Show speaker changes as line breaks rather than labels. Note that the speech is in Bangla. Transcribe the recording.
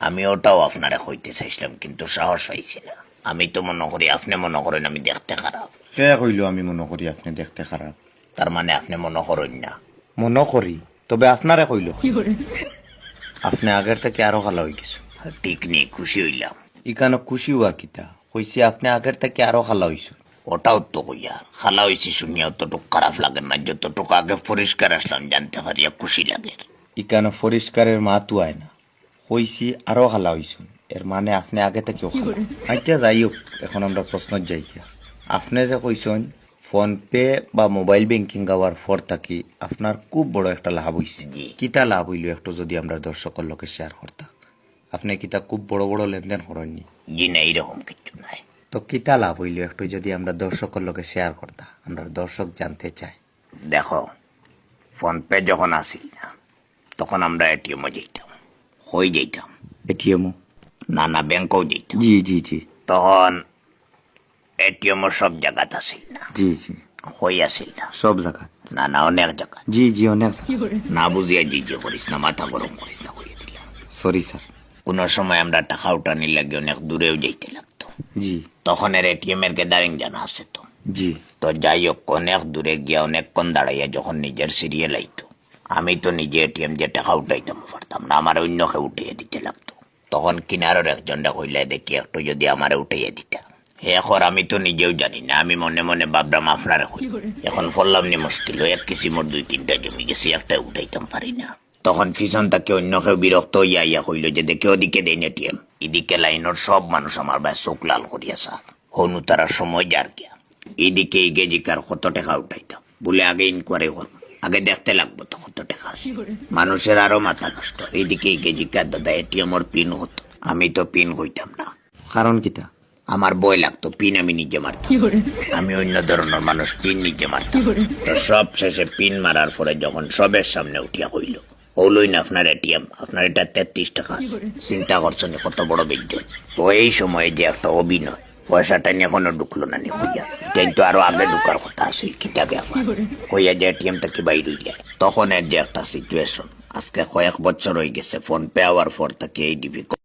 আমি ওটাও আপনারে কইতে চাইছিলাম কিন্তু সাহস পাইছি না। আমি তো মনে করি আপনি মনে করেন আমি দেখতে খারাপ।
কে কইল আমি মনে করি আপনি দেখতে খারাপ?
তার মানে আপনি মনে করেন না?
মনে করি, তবে আপনারে কইল আপনি আগের থেকে আরো ভালো হয়ে গেছে।
ঠিক নেই, খুশি হইলাম।
ইকানো খুশি হওয়া কিতা কইছি, আপনি আগের থেকে আরো ভালো হইছে।
ওটাও তো কইয়া খালা হয়েছি শুনিয়া অতটুকু খারাপ লাগে না, যতটুকু আগে পরিষ্কার আসলাম জানতে পারিয়া খুশি লাগে।
ইকানো পরিষ্কারের মাতু আয় না, কইছি আরো ভালো হইছে, এর মানে আপনি আগে থেকেও খালা। আচ্ছা যাই হোক, এখন আমরা প্রশ্ন যাই গিয়া। আপনি যে কইছেন ফোন পে বা মোবাইল ব্যাংকিং হওয়ার পর থাকি আপনার খুব বড় একটা লাভ হইছে।
জি।
কিতা লাভ হইল একটু যদি আমরা দর্শকের লোকে শেয়ার করতাম। আপনি কিতা খুব বড় বড় লেনদেন করেননি?
জি না, এইরকম কিছু নাই।
তো কিতা লাভ হইল একটু যদি আমরা দর্শকের লোকে শেয়ার করতাম, আমরা দর্শক জানতে চাই।
দেখো, ফোন পে যখন আসিল না তখন আমরা এটিএমও যেতাম, হয়ে যেতাম।
এটিএম?
না না, ব্যাংকেও যেতাম।
জি জি জি
তখন এটিএমও সব জায়গাতে আসিল না,
জি জি,
হয়ে আসিল না।
সব জায়গা।
না না, অনেক জায়গা।
জি জি, অনেক।
না বুঝিয়া জি যে করিস না, মাথা গরম করিস না, হয়ে দিলাম।
Sorry sir.
কোনো সময় আমরা টাকা উঠানির লাগে অনেক দূরেও যাইতে লাগতো।
জি
তখন এর এটিএম এর গ্যাদারিং জানা আছে তো।
জি
তো যাই হোক, অনেক দূরে গিয়া অনেকক্ষণ দাঁড়াইয়া যখন নিজের সিরিয়াল আইতো, আমি তো নিজে এটিএম যে টাকা উঠাইতাম পারতাম না, আমার অন্যকে উঠাইয়া দিতে লাগতো। তখন কিনারের একজনটা কইলে দেখি একটু যদি আমারে উঠাইয়া দিতা। এখন আমি তো নিজেও জানি না, আমি মনে মনে ভাবলাম আপনারে কই। এখন ফললাম নি মুশকিল, এক কিসিমর 2-3টা জমি গেছি, একটা উঠাইতাম পারি না। তখন পিছন তাকে অন্য কেউ বিরক্ত হইয়া ইয়া কইল যে দেখে ওদিকে দেন এটিএম। এদিকে লাইনের সব মানুষ আমার ভাই চোখ লাল করিয়া স্যার, হনু তারা সময় যার গিয়া এদিকে গেজিকার কত টাকা উঠাইতাম বলে আগে ইনকোয়ারি হল, আগে দেখতে লাগবো তো কত টাকা আছে। মানুষের আরো মাথা নষ্ট। এদিকে গেজিকার দাদা এটিএম ওর পিন হতো, আমি তো পিন হইতাম না।
কারণ কিতা?
আমার ভয় লাগতো, পিন আমি নিজে মারতাম। আমি অন্য ধরনের মানুষ, পিন নিজে মারতাম। তো সব শেষে পিন মারার পরে যখন সবের সামনে উঠিয়া হইল, হইলই না আপনার এটিএম, আপনার এটা 33 টাকা আছে। চিন্তা করছেন কত বড় বিজ্ঞান। তো এই সময়ে যে একটা অভিনয়, পয়সাটা নিয়ে এখনো ঢুকলো না নি হইয়া, কিন্তু আরো আগে ঢুকার কথা আছে কিতা ব্যাপার হইয়া যে এটিএম থেকে বাইর হইলে তখন এর যে একটা সিচুয়েশন। আজকে কয়েক বছর হয়ে গেছে ফোন পে হওয়ার পর থেকে এই ডিফিকাল্ট